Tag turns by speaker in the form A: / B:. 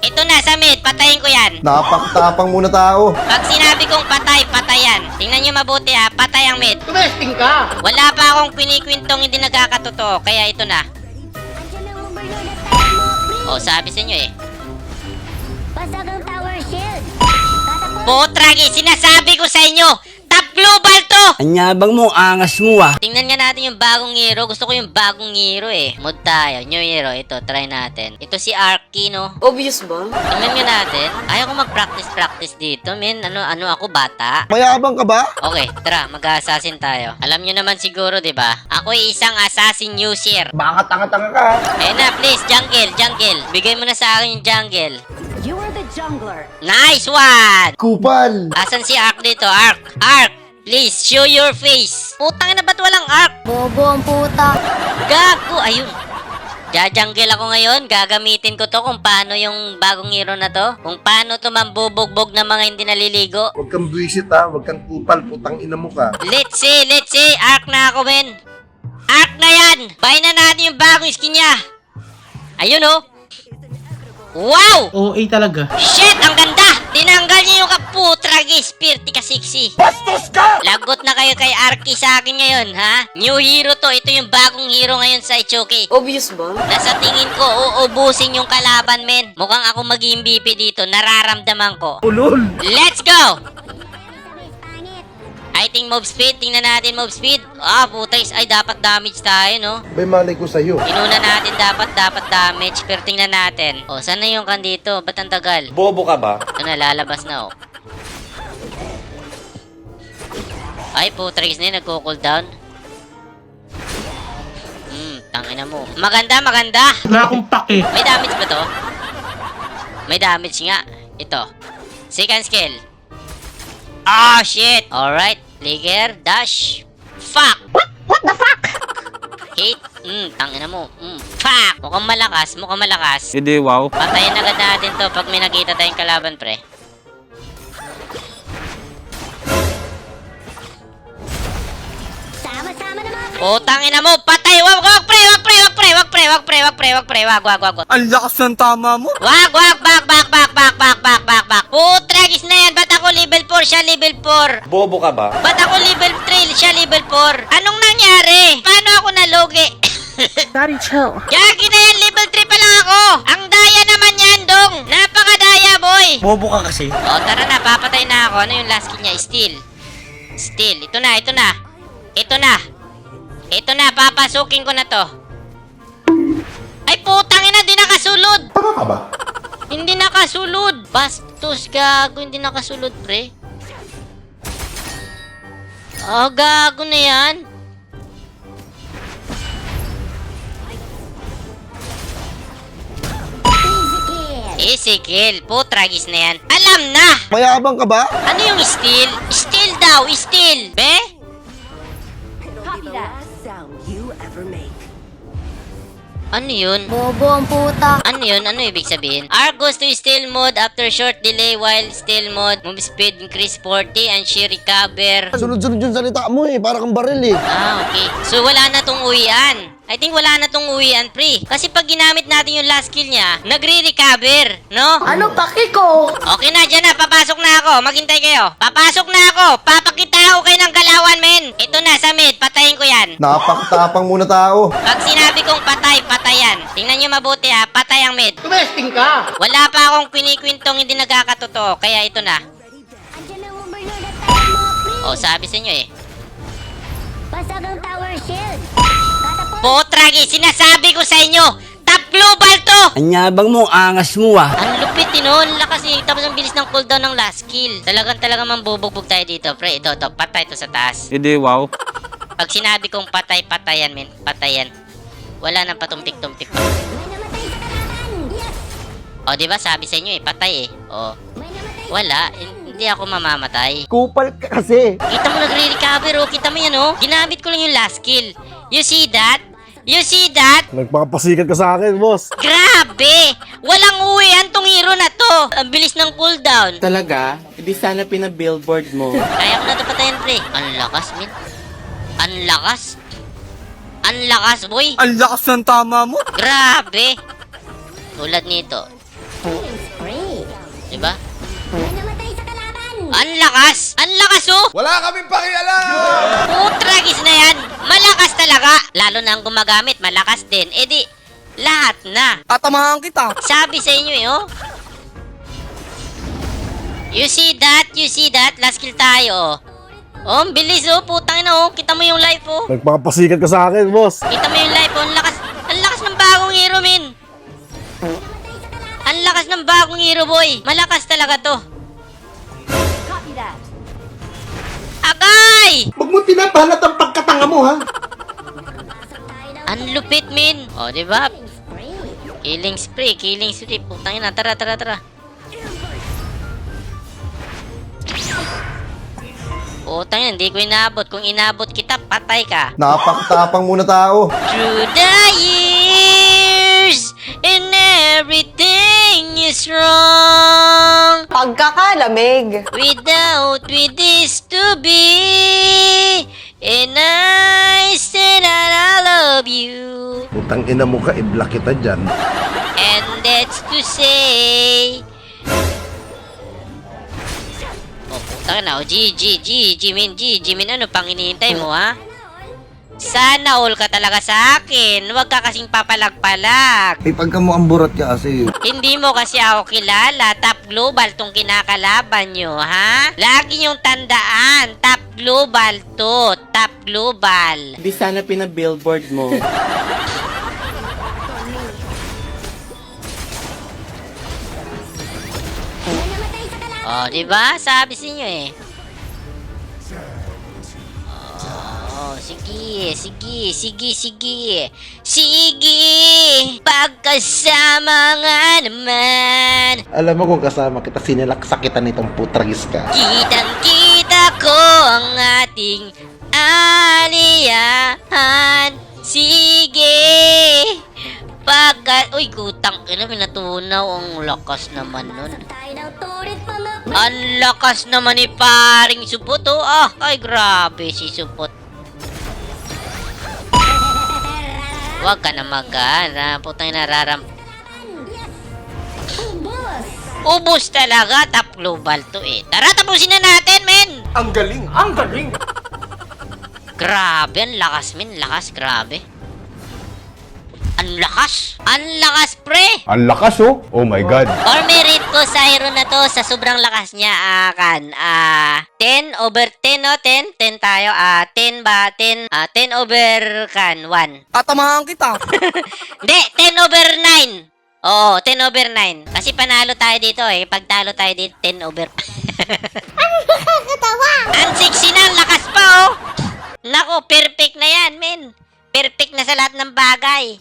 A: Ito na sa mid, patayin ko yan.
B: Napakatapang muna tao.
A: Pag sinabi kong patay, patayan. Tingnan nyo mabuti ha, patay ang mid.
C: Tumesting ka!
A: Wala pa akong kwinikwintong hindi nagkakatotoo, kaya ito na. Oh, sabi sa inyo eh.
D: Basag ang tower shield.
A: Potragi, sinasabi ko sa inyo, top global to!
E: Anyabang mo, angas mo ah.
A: Tingnan nga natin yung bagong hero. Gusto ko yung bagong hero eh. Mod tayo, new hero. Ito, try natin. Ito si Arky, no?
C: Obvious ba?
A: Tingnan nga natin. Ayaw ko mag-practice dito, men. Ano ako, bata?
B: Mayabang ka ba?
A: Okay, tara, mag-assassin tayo. Alam nyo naman siguro, di ba? Ako ay isang assassin user.
B: Baka tanga-tanga ka.
A: Ayun na, please, jungle. Bigay mo na sa akin yung jungle.
D: You are the jungler.
A: Nice one!
B: Kupal.
A: Asan si Ark dito? Ark! Please, show your face! Putang na ba't walang Ark?
D: Bobo ang puta.
A: Gago! Ayun! Jajanggil ako ngayon. Gagamitin ko to kung paano yung bagong hero na to. Kung paano to mambubugbog ng mga hindi naliligo.
B: Huwag kang buwisit ha. Huwag kang kupal. Putang ina mo ka.
A: Let's see! Ark na ako, men! Ark na yan! Buy na natin yung bagong skin niya! Ayun, oh! Wow!
C: OA talaga.
A: Shit! Ang ganda! Tinanggal niya yung kaputragi spirti ka sexy.
B: Bastos ka!
A: Lagot na kayo kay Arky sa akin ngayon, ha? New hero to. Ito yung bagong hero ngayon sa Ichoki.
C: Obvious ba?
A: Nasa tingin ko, uubusin yung kalaban, men. Mukhang ako mag-MVP dito. Nararamdaman ko.
B: Ulol.
A: Let's go! I think move speed. Tingnan natin move speed. Ah, putais. Ay, dapat damage tayo, no?
B: May malay ko sa'yo.
A: Inuna natin dapat damage. Pero tingnan natin. O, saan na yung kan dito? Ba't ang tagal?
B: Bobo ka ba?
A: Ito na, lalabas na, oh. Ay, putais na yun. Nagko-cooldown. Tangina mo. Maganda.
C: Wala akong pake.
A: May damage ba to? May damage nga. Ito. Second skill. Ah, shit! Alright. Flicker. Dash. Fuck! What the fuck? Hit. Tangina mo. Fuck! Mukhang malakas.
E: Hindi, wow.
A: Patayin agad natin to pag may nakita tayong kalaban, pre.
D: Sama-sama na mga
A: Oh, tangina mo! Patay! Wag, pre! Wag!
E: Ang lakas ng tama mo.
A: Wag! Back! Putragis na yan! Ba't ako level 4? Siya level 4?
B: Bobo ka ba?
A: Ba't ako level 3? Siya level 4? Anong nangyari? Paano ako nalogi?
C: Daddy, chill.
A: Gagi na yan! Level 3 pa lang ako! Ang daya naman yan, dong! Napakadaya, boy!
E: Bobo ka kasi.
A: O, tara na. Papatay na ako. Ano yung last kill niya? Steel. Ito na. Papasukin ko na to. Ay, putang ina! Di nakasulod!
B: Tanga ka ba?
A: Hindi nakasulod! Bastos, gago. Hindi nakasulod, pre. Oh, gago na yan. Easy kill. Putragis na yan. Alam na!
B: Mayabang ka ba?
A: Ano yung steel? Steel daw! Steel! Be?
D: Copy that.
A: Ano yun?
D: Bobo ang puta.
A: Ano yun? Ano ibig sabihin? Ark goes to steal mode after short delay while steal mode. Move speed increase 40 and she recover.
B: Sunod-sunod yung salita mo eh. Para kang baril eh.
A: Ah, okay. So, wala na tong uwian. I think wala na tong uwian, pre. Kasi pag ginamit natin yung last kill niya, nagre-recover, no?
C: Ano pake ko?
A: Okay na, dyan na. Papasok na ako. Maghintay kayo. Papasok na ako. Papakita ako kayo ng galawan, men. Ito na, sa mid. Patayin ko yan.
B: Napakatapang muna tao.
A: Pag sinabi kong patay, patayan. Tingnan nyo mabuti ha. Patay ang mid.
C: Tumesting ka!
A: Wala pa akong kwinikwintong hindi nagkakatotoo. Kaya ito na.
D: Andiyan ang overlord at tayo mga pre.
A: O, sabi sa inyo eh.
D: Basag ang tower shield.
A: Potragi, sinasabi ko sa inyo, top global to!
E: Anyabang mo, angas mo ah.
A: Ang lupit nun, lakas eh. Tapos ang bilis ng cooldown ng last kill. Talagang mambubugbog tayo dito, pre. Ito, patay to sa taas.
E: Hindi, wow.
A: Pag sinabi kong patay, patayan, men. Patayan. Wala nang patumpik-tumpik pa.
D: May namatay sa kalaban. Yes.
A: O, diba sabi sa inyo eh, patay eh. O,
D: May namatay.
A: wala. Hindi ako mamamatay.
B: Kupal ka kasi.
A: Kita mo nagre-recover, oh. Kita mo yan, oh. Ginamit ko lang yung last kill. You see that?
B: Nagpapasikat ka sa akin, boss.
A: Grabe! Walang uwian tong hero na to. Ang bilis ng cooldown.
C: Talaga? Hindi sana pina-billboard mo.
A: Kaya ko na ito patayan, pre. Ang lakas, min. Ang lakas, boy.
E: Ang lakas ng tama mo.
A: Grabe. Tulad nito. Diba?
D: May namatay sa kalaban.
A: Ang lakas! Ang lakas oh!
F: Wala kaming pakialam!
A: Putragis na yan! Malakas talaga! Lalo na ang gumagamit, malakas din. Eh di, lahat na.
E: Tatamahan kita.
A: Sabi sa inyo eh, oh. You see that? You see that? Last kill tayo, oh. Oh, ang bilis, oh. Putang ina, oh. Kita mo yung life, oh.
B: Nagpapasikat ka sa akin, boss.
A: Kita mo yung life, oh. Ang lakas ng bagong hero, min. Ang lakas ng bagong hero, boy. Malakas talaga to. Agay!
F: Huwag mo pinapalat ang pagkatanga mo, ha?
A: Ang lupit, min. Oh, di ba? Killing spree. Putang ina, tara. Putang ina, hindi ko inabot. Kung inabot kita, patay ka.
B: Napakatapang muna tao.
A: Through the years, and everything is wrong.
C: Pagkakalamig.
A: Without with this to be, and I said that I love you.
B: Putang ina mo ka, i-block kita dyan.
A: And that's to say, oh putang na, oh GG min, ano pang hinihintay mo ha? Sana all ka talaga sa akin, huwag ka kasing papalag-palag.
B: Eh, pagka mo ang burat ka kasi.
A: Hindi mo kasi ako kilala, top global tong kinakalaban nyo, ha? Lagi nyong tandaan, top global to, top global.
C: Hindi sana pinabillboard mo.
D: May namatay sa kalaban.
A: Oh, di ba? Sabi sa inyo eh. Oh, sige. Pagkasama nga naman.
F: Alam mo kung kasama kita, sinilaksa kita nitong putragis ka.
A: Kitang-kita ko ang ating aliyahan. Sige. Uy, kutang ina, pinatunaw. Ang lakas naman nun.
D: Tayo ng turit pamukli.
A: Ang lakas naman ni paring Supot, oh. Ah, ay, grabe si Supot. Huwag ka na mag-ana. Putang nararam.
D: Ubos.
A: Ubus talaga. Top global to eh. Tara, tapusin na natin, men.
F: Ang galing!
A: Grabe, ang lakas, men. Lakas, grabe. Ang lakas, pre.
G: Ang lakas oh. Oh my God.
A: Or merit ko sa hero na to sa sobrang lakas niya, 10 over 10, no? 10 tayo, 10 ba? 10 over 1.
E: Tatamahan kita.
A: Hindi, 10 over 9. Oo, 10 over 9. Kasi panalo tayo dito eh. Pag talo tayo dito, 10 over... Ang sexy na, ang lakas pa oh. Nako, perfect na yan, men. Perfect na sa lahat ng bagay.